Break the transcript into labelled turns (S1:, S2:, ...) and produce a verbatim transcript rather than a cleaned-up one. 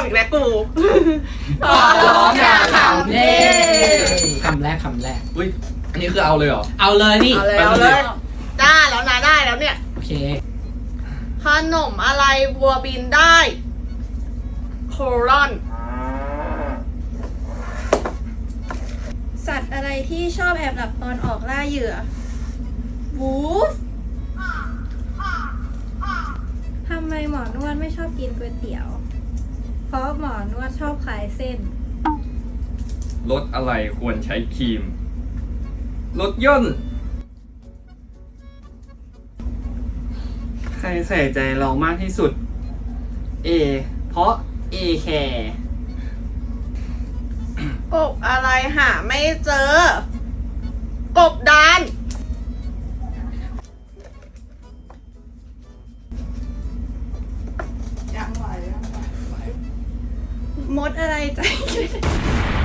S1: อีกแล้วกู
S2: ขอร้องอย่าขำ
S3: เย้คำแรกคำแรก
S2: อุ้ยอันนี้คือเอาเลยเหรอ
S3: เอาเลยนี่
S1: เอาเลยเอาเลยได้แล้วนะได้แล้วเนี่ย
S3: โอเค
S1: ขนมอะไรวัวบินได้โครอน
S4: สัตว์อะไรที่ชอบแอบหลับตอนออกล่าเหยื่อวูฟทำไมหมอนวดไม่ชอบกินก๋วยเตี๋ยว เพราะหมอนวดชอบขายเส้น
S2: รถอะไรควรใช้ครีม รถยนต์
S5: ใครใส่ใจเรามากที่สุด A เพราะ A แคร์
S1: กบอะไรหาไม่เจอ กบดาน
S4: มดอะไรใจ